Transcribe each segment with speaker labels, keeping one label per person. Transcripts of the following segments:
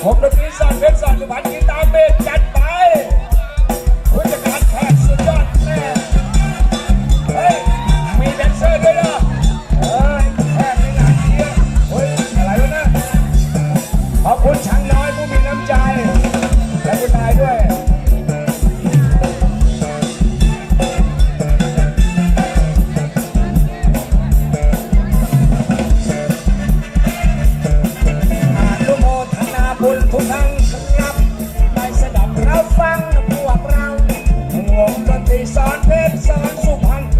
Speaker 1: ผมดนตรีสอนเพชรสอนสุพรรณกีตาร์เบสจัดไปผู้จัดการแขกสุดยอดแน่เฮ้ยมีแดนเซอร์ด้วยนะเฮ้ยแขกไม่หนาเชียเฮ้ยอะไรวะนะขอบคุณช่างน้อยผู้มีน้ำใจและคุณนายด้วยบุญทุกท่านครับได้สดับรับฟังพวกเราวงดนตรีสอนเพชรสอนสุพรรณ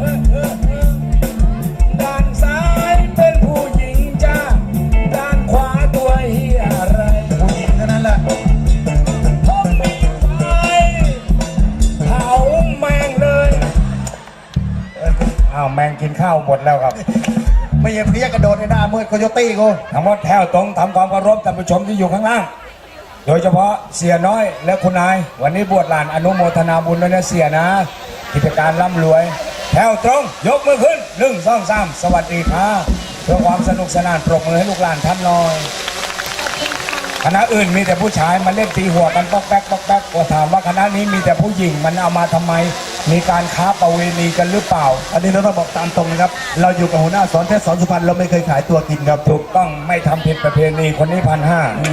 Speaker 1: ด้านซ้ายเป็นผู้หญิงจ้าด้านขวาตัวเฮียอะไรผู้หญิงเท่านั้นแหละผมมีไฟเผาแมงเลยอ้าวแมงกินข้าวหมดแล้วครับ
Speaker 2: ไม่ใช่เพี้ยกระโดดในหน้ามืดโคโยตี้กู
Speaker 1: ทั้งหมดแถวตรงทำความเคารพท่านผู้ชมที่อยู่ข้างล่างโดยเฉพาะเสียน้อยและคุณนายวันนี้บวชหลานอนุโมทนาบุญด้วยนะเสียนะกิจการร่ำรวยแถวตรงยกมือขึ้น1 2 3สวัสดีครับเพื่อความสนุกสนานปรบมือให้ลูกหลานท่านหน่อยคณะอื่นมีแต่ผู้ชายมาเล่นตีหัวกันป๊อกแป๊กป๊อกแป๊กก็ถามว่าคณะนี้มีแต่ผู้หญิงมันเอามาทำไมมีการค้าประเวณีกันหรือเปล่า
Speaker 2: อันนี้เราต้องบอกตามตรงนะครับเราอยู่กับหัวหน้าสอนเพชรสอนสุพรรณเราไม่เคยขายตัวกินครับ
Speaker 1: ถูกต้องไม่ทำผิดประเพณีคนนี้1,500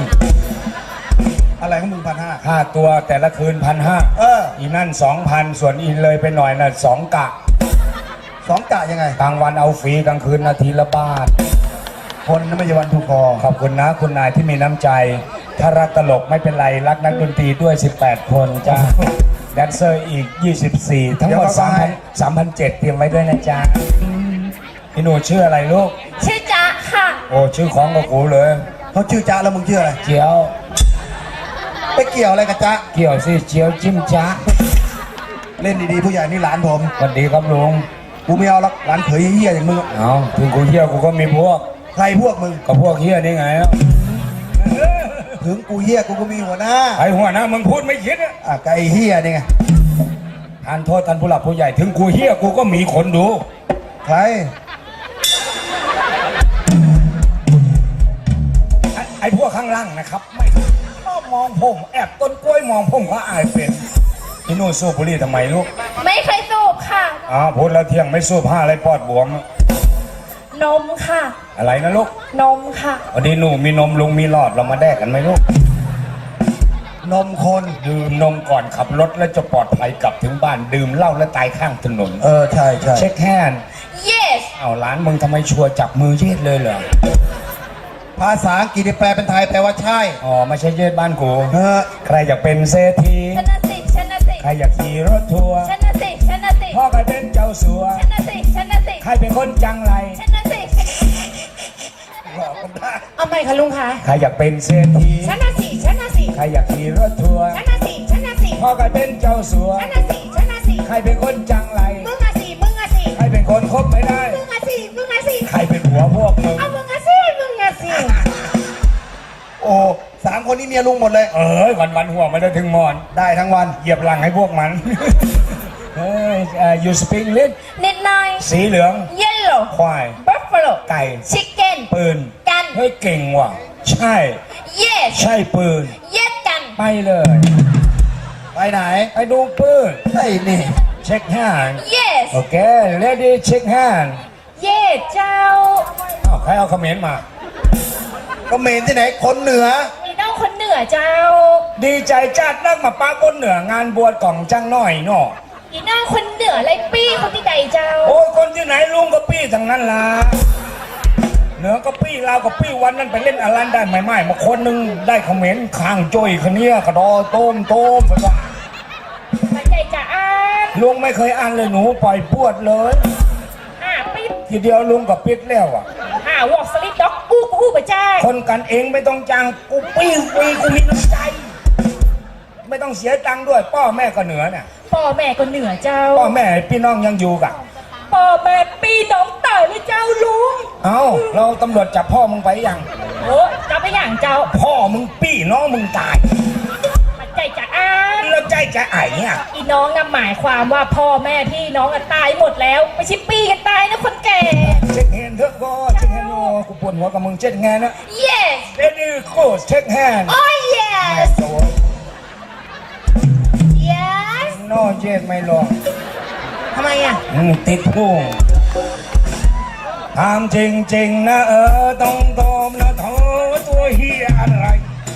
Speaker 2: อะไรของมึง1,500
Speaker 1: ค่าตัวแต่ละคืน1,500อีนั่น 2,000 ส่วนอีเลยไปหน่อยน่ะ2 กะ
Speaker 2: 2 กะยังไง
Speaker 1: กลางวันเอาฟรีกลางคืนนาทีละบาท
Speaker 2: คนนั้นไม่ใช่วันถูกคอ
Speaker 1: ขอบคุณนะคุณนายที่มีน้ำใจถ้ารักตลกไม่เป็นไรรักนักดนตรีด้วย18 คนจ้าแดนเซอร์อีก24ทั้งหมด3,700เตรียมไว้ด้วยนะจ๊ะพี่หนูชื่ออะไรลูก
Speaker 3: ชื่อจ๊ะค่ะ
Speaker 1: โอ้ชื่อของกับกูเลย
Speaker 2: เขาชื่อจ๊ะแล้วมึงชื่ออะไร
Speaker 1: เจียว
Speaker 2: ไปเกี่ยวอะไรกับจ๊ะ
Speaker 1: เกี่ยวสิเจียวจิ้มจ๊ะ
Speaker 2: เล่นดีๆผู้ใหญ่นี่หลานผม
Speaker 1: สวัสดีครับลุง
Speaker 2: กูไม่เอาละหลานเขยเหี้ยอย่างมึง
Speaker 1: เอาถึงกูเหี้ยกูก็มีพวก
Speaker 2: ใครพวกมึง
Speaker 1: ก็พวกเหี้ยนี่ไง
Speaker 2: ถึงกูเหี้ยกูก็มีหัวหน้า
Speaker 1: ไอ้หัวหน้ามึงพูดไม่คิด
Speaker 2: อ่ะไก่เหี้ยนี่ไง
Speaker 1: ทานโทษท่านผู้หลักผู้ใหญ่ถึงกูเหี้ยกูก็มีคนดู
Speaker 2: ใคร
Speaker 1: ไอ้พวกข้างล่างนะครับไม่ชอบมองผมแอบต้นกล้วยมองผมก็อายเป็นพี่นู่นสู้บุหรี่ทำไมลูก
Speaker 3: ไม่เคยสูบค่ะ
Speaker 1: พูดแล้วเที่ยงไม่สู้ผ้าอะไรปอดบวม
Speaker 3: นมค่ะ
Speaker 1: อะไรนะลูก
Speaker 3: นมค่ะ
Speaker 1: วันนี้หนูมีนมลุงมีหลอดเรามาแดกกันไหมลูก
Speaker 2: นมคน
Speaker 1: ดื่มนมก่อนขับรถแล้วจะปลอดภัยกลับถึงบ้านดื่มเหล้าแล้วตายข้างถนน
Speaker 2: ใช่ใช่
Speaker 1: เช็คแฮนด์
Speaker 3: yes
Speaker 1: เอาร้านมึงทำไมชัวร์จับมือเย็ดเลยเหรอ
Speaker 2: ภาษาอังกฤษแปลเป็นไทยแปลว่าใช่
Speaker 1: ไม่ใช่เย็ดบ้านกูใครอยากเป็นเศรษฐี
Speaker 3: ชนะสิชนะสิ
Speaker 1: ใครอยากขี่รถทัวร์
Speaker 3: ชนะสิชนะสิ
Speaker 1: พ่อใครเป็นเจ้าสัว
Speaker 3: ชนะสิชนะสิ
Speaker 1: ใครเป็นคนจังไร
Speaker 3: ชนะสิเอาไหมคะลุงคะ
Speaker 1: ใครอยากเป็นเศรษฐี
Speaker 3: ชนะสิชนะสิ
Speaker 1: ใครอยากขี่รถทัวร์
Speaker 3: ชนะสิชนะสิ
Speaker 1: พ่อใครเป็นเจ้าสัว
Speaker 3: ชนะสิชนะสิ
Speaker 1: ใครเป็นคนจังไร
Speaker 3: มึงอะสิมึงอะสิ
Speaker 1: ใครเป็นคนคบไม่ได้
Speaker 3: มึงอะสิมึงอะสิ
Speaker 1: ใครเป็นหัวพวกมึง
Speaker 3: มึงอะสิมึงอะสิ
Speaker 2: โอ้3 คนนี้เมียลุงหมดเลย
Speaker 1: วันหัวไม่ได้ถึงมอน
Speaker 2: ได้ทั้งวัน
Speaker 1: เหยียบหลังให้พวกมันyou speak English
Speaker 3: นิดหน่อย
Speaker 1: สีเหลือง
Speaker 3: yellow
Speaker 1: ควาย
Speaker 3: buffalo
Speaker 1: ไก่
Speaker 3: chicken
Speaker 1: ปืน
Speaker 3: กัน
Speaker 1: เฮ้ยเก่งว่ะใช่
Speaker 3: yes
Speaker 1: ใช่ปืน
Speaker 3: yes กัน
Speaker 1: ไปเลย
Speaker 2: ไปไหน
Speaker 1: ไปดูปืน
Speaker 2: ไอ้นี่
Speaker 1: เช็คแฮนด์
Speaker 3: yes
Speaker 1: โอเค ready เช็คแฮนด์
Speaker 3: yes เจ้า
Speaker 1: ใครเอาคอมเมนต์มา
Speaker 2: คอมเมนต์ที่ไหนคนเหนือ
Speaker 3: นี่น้องคนเหนือเจ้า
Speaker 1: ดีใจจัดนักมาป้าคนเหนืองานบวชกล่องจังหน่อยเนาะ
Speaker 3: นี่น้องคนเหนือไรปี้คนที่ใดเจ้า
Speaker 1: โอ้ยคนที่ไหนลุงก็ปี้ทั้งนั้นล่ะเหนือก็ปี้ลาวก็ปี้วันนั้นไปเล่นอลันได้ไม่มาคนนึงได้คอมเมนต์ข้างจ้อยคนนี้กระดอต้มสักว่า
Speaker 3: ใจจะอ่าน
Speaker 1: ลุงไม่เคยอ่านเลยหนูปล่อยปวดเลย
Speaker 3: ปิด
Speaker 1: ทีเดียวลุงก็ปิดแล้ว
Speaker 3: วอล์กสลิปด็อกกูไปจ้า
Speaker 1: คนกันเองไม่ต้องจ้างกูปี้ฟรีกูมีน้ำใจไม่ต้องเสียตังค์ด้วยพ่อแม่ก็เหนือเนี่ย
Speaker 3: พ่อแม่ก็เหนือเจ้า
Speaker 1: พ่อแม่พี่น้องยังอยู่กับ
Speaker 3: พ่อแม่พี่น้องตายเลยเจ้าลุง
Speaker 1: เราตำรวจจับพ่อมึงไปยัง
Speaker 3: จับไปอย่างเจ้า
Speaker 1: พ่อมึงปี้น้องมึงตาย
Speaker 3: ใจจะอ่าน
Speaker 1: แล้วใจจะไอ้เนี่ย
Speaker 3: อีน้องน่ะหมายความว่าพ่อแม่พี่น้องอะตายหมดแล้ว ไม่ใช่ปีกันตายนะคนแก่
Speaker 1: เช็คแฮนด์เถอะก็เช็คแฮนด์โอ้กูปวดหัวกับมึงเช็คแฮนด์นะ
Speaker 3: yes
Speaker 1: เดนี่โค้ชเช็คแฮนด์
Speaker 3: oh yes
Speaker 1: โอ้
Speaker 3: yes
Speaker 1: โน่เย็ดไม่ลง
Speaker 3: ทำไมอ่ะ
Speaker 1: ติดพุงถามจริงๆนะต้องตอบนะเธอตัวเฮียอะไร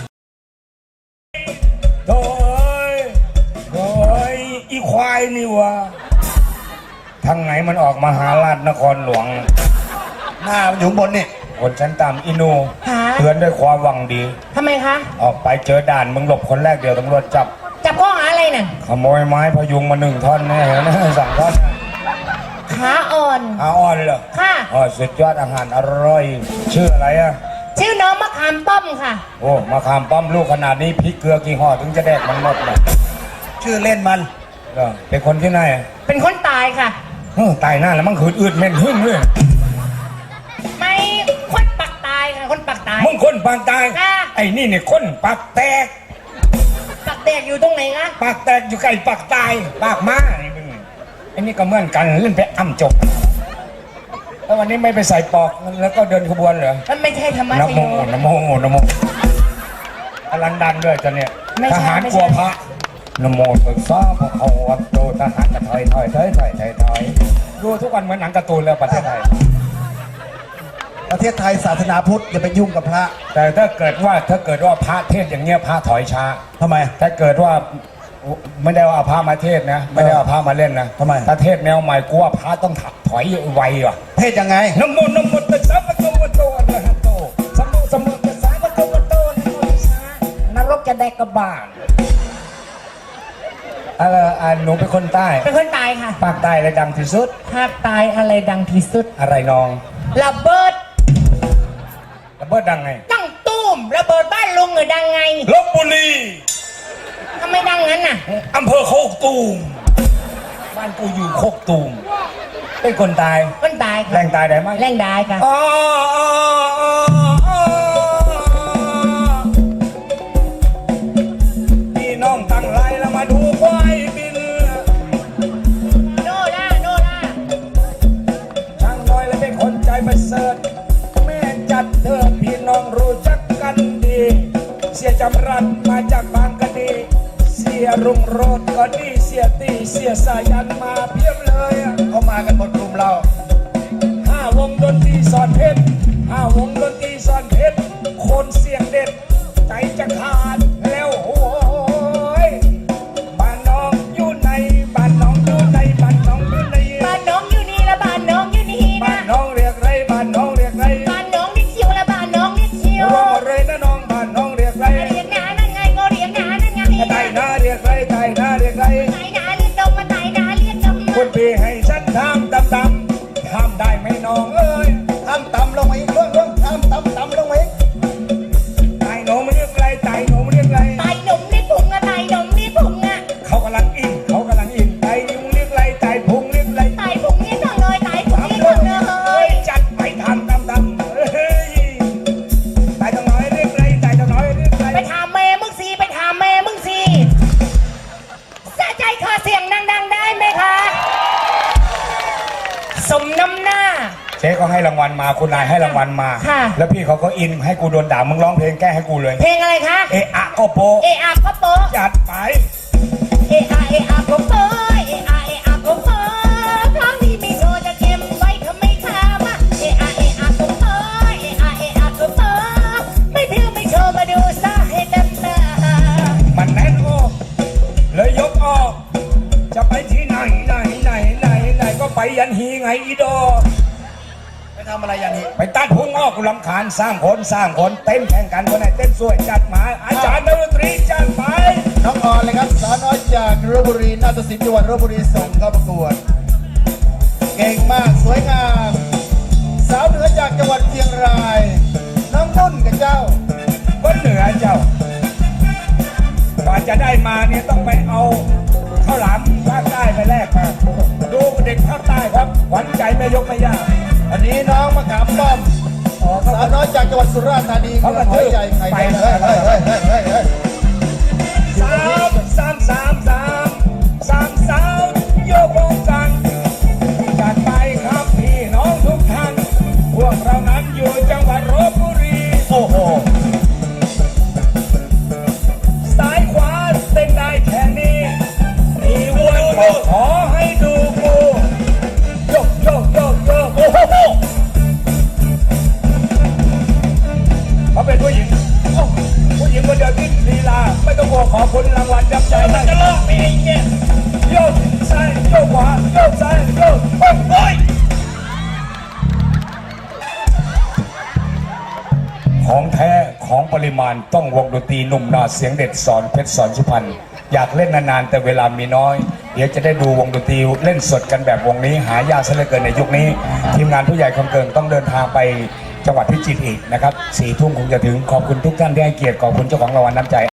Speaker 1: โถ่โถ่อีควายนี่วะทางไหนมันออกมาหาราชนครหลวง
Speaker 2: หน้ามันอยู่ข้างบนนี่
Speaker 1: คนชั้นต่ำอินู
Speaker 3: ฮะ
Speaker 1: เตือนด้วยความหวังดี
Speaker 3: ทำไมคะ
Speaker 1: ออกไปเจอด่านมึงหลบคนแรกเดี๋ยวตำรวจจับ
Speaker 3: จับข้อหาอะไรน่ะ
Speaker 1: ขโมยไม้พยุงมา1 ท่อนแน่นะ2 ท่อน
Speaker 3: ขาอ่อน
Speaker 1: อาอ่อนเหรอ
Speaker 3: ค่ะ
Speaker 1: อ๋อสุดยอดอาหารอร่อย ชื่ออะไรอ่ะ
Speaker 3: ชื่อน้องมะขามป้อมค่ะ
Speaker 1: โอ้มาขามป้อมลูกขนาดนี้พริกเกลือกี่ห่อถึงจะแดกมันหมดเลย
Speaker 2: ชื่อเล่นมัน
Speaker 1: เหรอเป็นคนที่ไหนอ่ะ
Speaker 3: เป็นคนตายค่ะ
Speaker 1: ตายหน้าแล้วมันขืนอืดเหม็นหึ่งเลย
Speaker 3: ไม่คนปักตายค่ะ คนปักตาย
Speaker 1: มึงคนปากตาย
Speaker 3: ค่ะ
Speaker 1: ไอ้นี่เนี่ยคนปากแตก
Speaker 3: ปักแตกอยู่ตรงไหนคะ
Speaker 1: ปากแตกอยู่ใกล้ปากตายปากม้านี่มึงไอ้นี่ก็เหมือนกันเล่นไปอ้ำจบแล้ววันนี้ไม่ไปใส่ปอกแล้วก็เดินขบวนเหรอ
Speaker 3: มันไม่ใช่ธรรมะ
Speaker 1: นะ
Speaker 3: ช
Speaker 1: โม
Speaker 3: โย
Speaker 1: นะโมนะโมอลันดังด้วยจะเนี่ย
Speaker 3: ไม่ใช่
Speaker 1: ทหาร
Speaker 3: ไม่
Speaker 1: ก
Speaker 3: ใช่
Speaker 1: ลัวพระนะโมตัสสะภะคะวะโตทหารกระถอยดูทุกวันเหมือนหนังการ์ตูนแล้วประเทศไทย
Speaker 2: ประเทศไทยศาสนาพุทธอย่าไปยุ่งกับพระ
Speaker 1: แต่ถ้าเกิดว่าพระเทศอย่างเงี้ยพระถอยช้า
Speaker 2: ทำไม
Speaker 1: ถ้าเกิดว่าไม่ได้ว่าเอาพระมาเทศนะไม่ได้เอาพระมาเล่นนะ
Speaker 2: ทำไม
Speaker 1: ถ้าเทศแนวใหม่กูว่าพระต้องถอยไวว่ะ
Speaker 2: เพศยังไง
Speaker 1: นะโมตัสสะภะคะวะโตอะระหะโตสัมมาตัสสะภะคะวะโตนะโมตัสสะนรกจะได้กระบาลหนูเป็นคนใต้
Speaker 3: เป็นคนตายค่ะ
Speaker 1: ภาคใต้อะไรดังที่สุด
Speaker 3: ภาคตายอะไรดังที่สุด
Speaker 1: อะไรน้อง
Speaker 3: ระเบิด
Speaker 1: ระเบิดดังไง
Speaker 3: ตั้งตุ้มระเบิดบ้านลุงเหรอดังไง
Speaker 1: ลพบุรี
Speaker 3: ทำไมดังงั้นน่ะ
Speaker 1: อำเภอโคกตูมบ้านกูอยู่โคกตูมเป็นคนตาย
Speaker 3: คนตายค่ะ
Speaker 1: แรงตายได้ไหม
Speaker 3: แรงได้ค่ะ
Speaker 1: พี่น้องตั้งไรแล้วมาดูควายบิน
Speaker 3: โนล่าโนล่า
Speaker 1: ช่างน้อยและเป็นคนใจประเสริฐแม่จัดเธอพี่น้องรู้จักกันดี เสียจำรัดมาจากบางกะดีเสียรุ่งโรจน์ก็ดีเสียตีเสียสายันมาเพียบเลยอะ
Speaker 2: เขามากันหมดกลุ่มเรา
Speaker 1: 5 วงดนตรีสอนเพชร5 วงดนตรีสอนเพชรคนเสียงเด็ดใจจะขาดแล้วโอ้ยบ้านน้องอยู่ในบ้านน้องอยู่ในบ้านน้องอยู่ใน
Speaker 3: บ้านน้องอยู่นี่และบ้านน้องอยู่นี่
Speaker 1: บ้า
Speaker 3: นะ
Speaker 1: นน้องเรียกไรบ้านน้องเรียกไร
Speaker 3: บ้านน้องนี่คิวและบ้านน้องนี่คิว
Speaker 1: รวมหมดเลยนะน้องบ้านน้องเรียกไร
Speaker 3: เรียกหนานั่นไงก็เรียกหนานั่นไง
Speaker 1: ไต่หน้าเรียกไรไต่หน้าเรียกไร
Speaker 3: ไต่หนาเรียกดมมาไต่หนาเรียกดม
Speaker 1: คุณพี่ให้ฉันทำดำทำได้ไหมน้องเอ้ย
Speaker 2: ทำต่ำลงมาอีกเรื่องทำต่ำลงมาอีก
Speaker 1: ไต่หนูไม่เรียกไรไต่หนูไม่เรียกไร
Speaker 3: ไต่หนุ่มนี่พุงอะไต่หนุ่มนี่พุงอะ
Speaker 1: เขากำลังอินไต่หนูเรียกไรไต่พุงเรียกไร
Speaker 3: ไต่พุงนี่ต้องเลยไต่พุงนี่ต้องเลย
Speaker 1: จัดไปทำเฮ้ยไต่ตรงน้อยเรียกไรไต่ตรงน้อยเรียกไร
Speaker 3: ไปถามแม่มึงสิไปถามแม่มึงสิสะใจขอเสียงดังๆได้ไหมคะสมน้ำหน้า
Speaker 1: เจ๊เขาให้รางวัลมาคุณนายให้รางวัลมา
Speaker 3: ค่ะ
Speaker 1: แล้วพี่เขาก็อินให้กูโดนด่ามึงร้องเพลงแก้ให้กูเลย
Speaker 3: เพลงอะไรคะ
Speaker 1: เอะอะก็โปะ
Speaker 3: เออาก็โป๊ะ
Speaker 1: จัดไป
Speaker 3: เออาก็โป๊ะเออาก็โป๊ะเพราะนี่ไม่โดนจะเก็บไว้ทำไมคามะเออาก็โป๊ะเออาก็โป๊ะไม่พิวไม่โชว์มาดูซะให้เต็มตา
Speaker 1: มันแน่นออกเลยยกออก จะไปที่ไหนก็ไปยันฮีไงอีดอ
Speaker 2: ไปทำอะไรอย่างนี้
Speaker 1: ไปตัดพุงออกกูรำคาญสร้างคนเต้นแข่งกันคนไหนเต้นสวยจัดมาอาจารย์ดนตรีจัดไป
Speaker 2: น้องออนเลยครับสาวน้อยจากลพบุรีนาฏศิลป์จังหวัดลพบุรีส่งเข้าประกวด เก่งมากสวยงาม สาวเหนือจากจังหวัดเชียงราย น้องนุ่นกับเจ้า
Speaker 1: คนเหนือเจ้ากว่าจะได้มาเนี่ยต้องไปเอาข้าวหลามภาคใต้ไปแลกมาดูเด็กภาคใต้ครับหวั่นใจไม่ยกไม่ยาก
Speaker 2: อันนี้น้องมะขามป้อม สาวน้อยจากจังหวัดสุราษฎร์ธานีเมืองหอยใหญ่ไข่แดงเฮ้ย
Speaker 1: สามริมาณต้องวงดนตรีหนุ่มนาเสียงเด็ดสอนเพชรสอนสุพรรณอยากเล่นนานๆแต่เวลามีน้อยเดี๋ยวจะได้ดูวงดนตรีเล่นสดกันแบบวงนี้หายากซะเหลือเกินในยุคนี้ทีมงานผู้ใหญ่คำเกิงต้องเดินทางไปจังหวัดพิจิตรอีกนะครับ4 ทุ่มคงจะถึงขอบคุณทุกท่านที่ให้เกียรติขอบคุณเจ้าของรางวัลน้ำใจ